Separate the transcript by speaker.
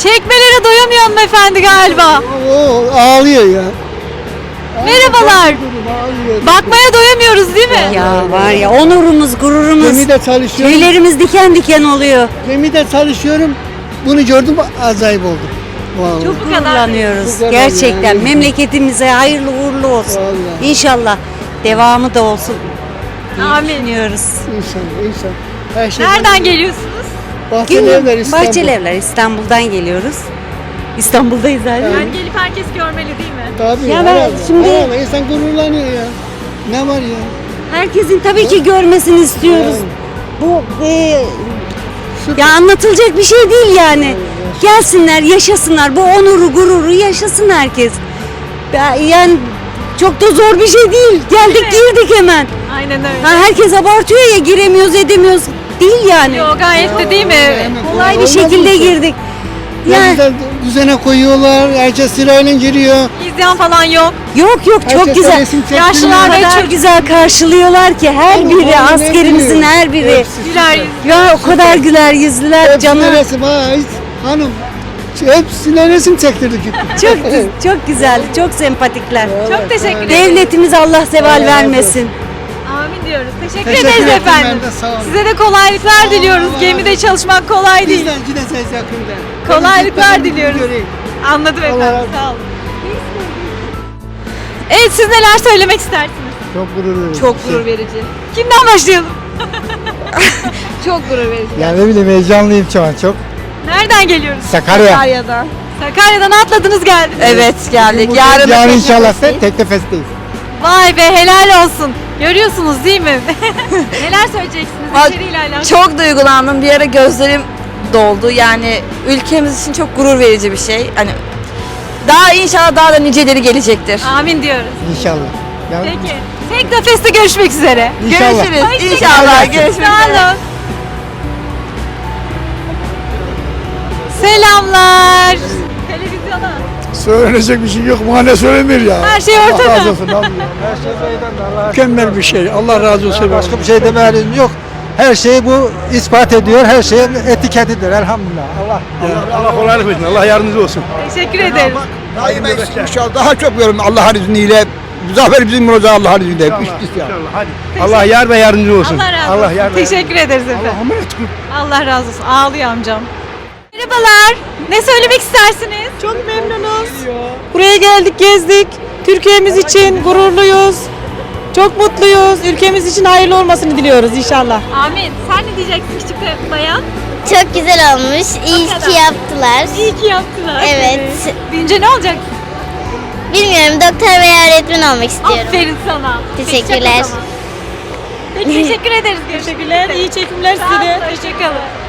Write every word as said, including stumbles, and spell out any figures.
Speaker 1: Çekmelere doyamıyor hanımefendi galiba.
Speaker 2: O ağlıyor ya.
Speaker 1: Merhabalar.
Speaker 2: Ağlıyor.
Speaker 1: Bakmaya doyamıyoruz değil mi?
Speaker 3: Ya var ya onurumuz, gururumuz,
Speaker 2: Gemide çalışıyorum.
Speaker 3: tüylerimiz diken diken oluyor.
Speaker 2: Gemide çalışıyorum. Bunu gördüm acayip oldum. Vallahi.
Speaker 1: Çok bu kadar.
Speaker 3: Gururlanıyoruz.
Speaker 2: Bu kadar
Speaker 3: Gerçekten
Speaker 2: yani.
Speaker 3: memleketimize hayırlı uğurlu olsun.
Speaker 2: Vallahi.
Speaker 3: İnşallah devamı da olsun. diye
Speaker 1: Amin.
Speaker 3: Düşünüyoruz.
Speaker 2: İnşallah, inşallah. Her şey
Speaker 1: Nereden geliyorsunuz?
Speaker 2: Bahçelievler İstanbul.
Speaker 3: Bahçelievler İstanbul'dan geliyoruz. İstanbul'dayız zaten.
Speaker 1: Yani gelip herkes görmeli değil mi?
Speaker 2: Tabii.
Speaker 3: Ya ben
Speaker 2: herhalde,
Speaker 3: şimdi-
Speaker 2: herhalde. insan gururlanıyor ya. Ne var ya?
Speaker 3: Herkesin tabii ki görmesini istiyoruz. Bu e,
Speaker 2: Süper.
Speaker 3: ya anlatılacak bir şey değil yani. Gelsinler, yaşasınlar. Bu onuru, gururu yaşasın herkes. Ya- Yani çok da zor bir şey değil. Geldik, girdik hemen.
Speaker 1: Aynen öyle.
Speaker 3: Ha, herkes abartıyor ya, giremiyoruz, edemiyoruz. Değil yani.
Speaker 1: Yo, gayet de değil mi?
Speaker 2: Hemen
Speaker 3: Kolay bir
Speaker 2: olmaz
Speaker 3: şekilde
Speaker 2: mı?
Speaker 3: girdik.
Speaker 2: Ne
Speaker 3: Yani
Speaker 2: güzel düzene koyuyorlar. Herkes sırayla giriyor.
Speaker 1: İzleyen falan yok.
Speaker 3: yok yok çok
Speaker 2: Herkes
Speaker 3: güzel.
Speaker 2: resim çektiriyor.
Speaker 3: Yaşlılar da çok güzel karşılıyorlar ki her
Speaker 2: Oğlum,
Speaker 3: biri,
Speaker 2: oğlum,
Speaker 3: askerimizin
Speaker 2: ne
Speaker 3: her biri.
Speaker 2: Hepsi
Speaker 1: Güler yüz.
Speaker 3: Ya o kadar güler yüzlüler
Speaker 2: Hepsine
Speaker 3: canım.
Speaker 2: resim ha hiç hanım. Hepsine resim çektirdik.
Speaker 3: Çok çok güzel, çok sempatikler.
Speaker 1: Çok teşekkür ederim.
Speaker 3: Devletimiz Allah zeval
Speaker 2: Allah razı
Speaker 3: vermesin.
Speaker 1: Amin diyoruz. Teşekkür,
Speaker 2: Teşekkür
Speaker 1: ederiz
Speaker 2: ederim,
Speaker 1: efendim.
Speaker 2: ben de sağ olun.
Speaker 1: Size de kolaylıklar diliyoruz.
Speaker 2: Allah
Speaker 1: Gemide
Speaker 2: razı
Speaker 1: çalışmak kolay değil.
Speaker 2: Bizden gideceğiz yakında.
Speaker 1: Kolaylıklar
Speaker 2: Ben gitmeden
Speaker 1: diliyoruz.
Speaker 2: göreyim.
Speaker 1: Anladım
Speaker 2: Allah
Speaker 1: efendim.
Speaker 2: razı olsun.
Speaker 1: Sağ olun. Evet, siz neler söylemek istersiniz?
Speaker 2: Çok gurur verici.
Speaker 4: Çok gurur verici.
Speaker 1: Kimden başlayalım?
Speaker 4: Çok gurur verici.
Speaker 2: Yani ne bileyim heyecanlıyım şu an çok.
Speaker 1: Nereden geliyoruz?
Speaker 2: Sakarya.
Speaker 4: Sakarya'dan.
Speaker 1: Sakarya'dan atladınız geldiniz.
Speaker 4: Evet geldik. Yarın
Speaker 2: Yarın
Speaker 4: da
Speaker 2: inşallah
Speaker 4: Teknofest'teyiz.
Speaker 2: Teknofest'teyiz.
Speaker 1: Vay be, helal olsun. Görüyorsunuz değil mi? Neler söyleyeceksiniz
Speaker 4: Bak,
Speaker 1: içeriğiyle alakalı?
Speaker 4: Çok duygulandım. Bir ara gözlerim doldu. Yani ülkemiz için çok gurur verici bir şey. Hani daha inşallah daha da niceleri gelecektir.
Speaker 1: Amin diyoruz.
Speaker 2: İnşallah. Yani
Speaker 1: Peki. Teknofest'te görüşmek üzere.
Speaker 2: İnşallah.
Speaker 4: Görüşürüz.
Speaker 1: Hoşça
Speaker 4: İnşallah
Speaker 1: kalın.
Speaker 4: görüşmek
Speaker 1: Sağ
Speaker 4: üzere.
Speaker 1: olun. Selamlar. Televizyona.
Speaker 5: Söylenecek bir şey yok. Mahalle söylenir ya.
Speaker 1: Her şey ortada.
Speaker 5: Allah razı olsun. Allah. Her şey Allah. Mükemmel bir şey. Allah razı olsun.
Speaker 2: başka bir şey demeyelim yok. Her şeyi bu ispat ediyor. Her şeyin etiketidir elhamdülillah. Allah
Speaker 5: Allah, Allah kolaylık versin. Allah yardımcınız olsun.
Speaker 1: Teşekkür ederiz.
Speaker 6: Daima inşallah daha çok görüm Allah'ın izniyle. Zafer bizim olacak Allah'ın izniyle.
Speaker 5: İnşallah.
Speaker 6: İşte ya.
Speaker 5: İnşallah. Hadi. Allah yar ve yardımcı olsun.
Speaker 1: Allah razı
Speaker 5: Allah
Speaker 1: olsun.
Speaker 5: yar ve
Speaker 1: Teşekkür ederiz efendim.
Speaker 5: Allah'a emanet olun.
Speaker 1: Allah razı olsun. Ağlıyor amcam. Merhabalar. Ne söylemek istersiniz?
Speaker 7: Çok memnunuz. Buraya geldik, gezdik. Türkiye'miz için gururluyuz. Çok mutluyuz. Ülkemiz için hayırlı olmasını diliyoruz inşallah.
Speaker 1: Amin. Sen ne diyeceksin küçük bir bayan?
Speaker 8: Çok güzel olmuş. İyi
Speaker 1: kadar.
Speaker 8: ki yaptılar.
Speaker 1: İyi ki yaptılar.
Speaker 8: Evet.
Speaker 1: Büyünce ne olacak?
Speaker 8: Bilmiyorum, doktor veya öğretmen olmak istiyorum.
Speaker 1: Aferin sana.
Speaker 8: Teşekkürler.
Speaker 1: Peki, şaka o zaman. Peki, teşekkür ederiz. Görüşmek
Speaker 7: Teşekkürler,
Speaker 1: üzere.
Speaker 7: iyi çekimler
Speaker 1: Sağ
Speaker 7: size de.
Speaker 1: olun, hoşça kalın.